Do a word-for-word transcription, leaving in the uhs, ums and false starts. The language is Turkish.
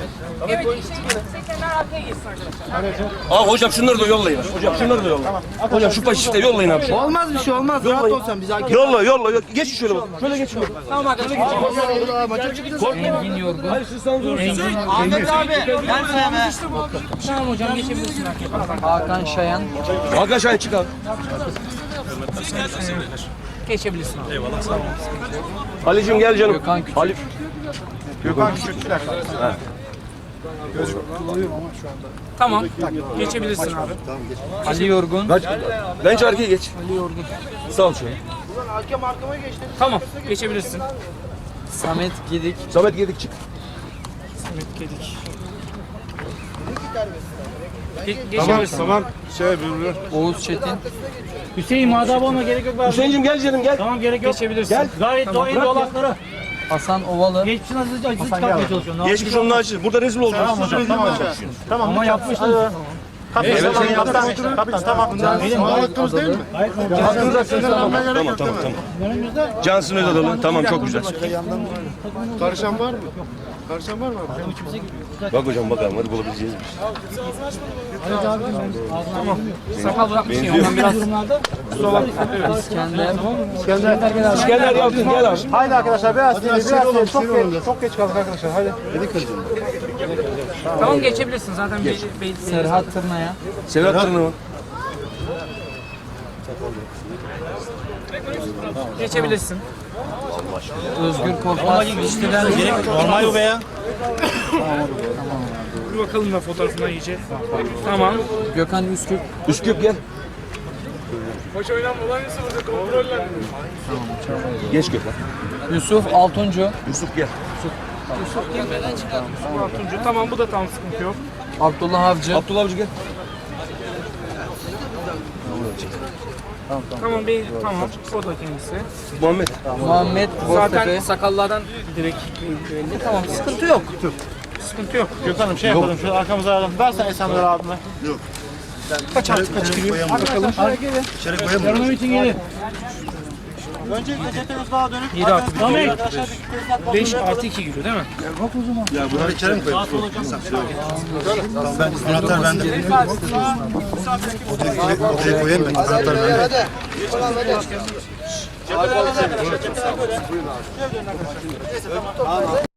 Evet, seksenler arkaya geçsin arkadaşlar. Aa hocam şunları da yollayın. Hocam şunları da yollayın. Hocam şu paşişte yollayın abi. Olmaz bir şey olmaz. Rahat ol sen. Biz hakem. Yolla yolla. yolla. Geç şöyle bak. Şöyle geç şöyle. Tamam arkadaşlar. Engin Yorgun. Hayır siz sana dur. Ahmet abi. Ben sana be. Tamam hocam geçebilirsin arkaya. Hakan Şayan. Hakan Şahin çık abi. Geçebilirsin abi. Ali'cim gel canım. Gökhan Küçük. Ali. Gökhan Küçük bir dakika. Tamam. Geçebilirsin abi. Ali Yorgun. Kaç. Bence arkaya geç. Ali Yorgun. Sağ ol şöyle. Hakem arkama geçti. Tamam. Geçebilirsin. Samet Gidik. Samet Gedik çık. Samet Gedik. Ge geçebilirsin. Tamam. Şey birbirine. Oğuz Çetin. Hüseyin madem olma gerek yok. Hüseyin'cim gel canım gel. Tamam gerek yok. Geçebilirsin. Gel. Gayet Tamam, doğru bırak ya. dolakları. Hasan Ovalı. Geçmişin acısı acısı çıkartmaya çalışıyorum. Geçmiş onun acı. Burada rezil olacağız. Tamam hocam. Tamam hocam. Tamam. Ama yapmıştınız. Evet, senin Kaptan. Kaptan. Tamam. Benim Hakkımız değil mi? Tamam tamam tamam. Cansın Özadalı. Tamam çok güzel. Karışan var mı? Karışan var mı? Bak hocam bakalım hadi bulabileceğiz. Sakal bırakmışsın ya. Ondan biraz. İskender. İskender Yalçın gel abi. Haydi arkadaşlar biraz seri biraz seri. Çok geç, çok geç kaldık arkadaşlar. Haydi. Tamam geçebilirsin zaten. Geç. Be be Serhat Tırnaya. Sedat Tırnava. geçebilirsin. Özgür Korkmaz. Normal bu be ya. Bir bakalım da fotoğrafına iyice. Tamam. Gökhan Üsküp. Üsküp gel. Hoş oynanma olan Yusuf'u kontrolle. Geç Gökhan. Yusuf Altuncu. Yusuf gel. Yusuf girmeden çıkar. Yusuf Tamam bu da tam sıkıntı yok. Abdullah Avcı. Abdullah Avcı gel. Tamam bey tamam. O da kendisi. Muhammed. Muhammed Zaten Boztepe. sakallardan direkt belli. Tamam sıkıntı yok. Sıkıntı yok. Gökhan'ım şey yapalım şu arkamıza alalım. Versen Esenler abime. Yok. Kaç artık kaç giriyor? Hadi bakalım. Yarın için gelin. Öncelikle cepheniz daha dönüp. yedi artı Samet. beş artı iki giriyor değil mi? Ya bunları içeri mi koyalım? Ben anahtar bende. Odaya koyayım ben. Anahtar bende. Hadi.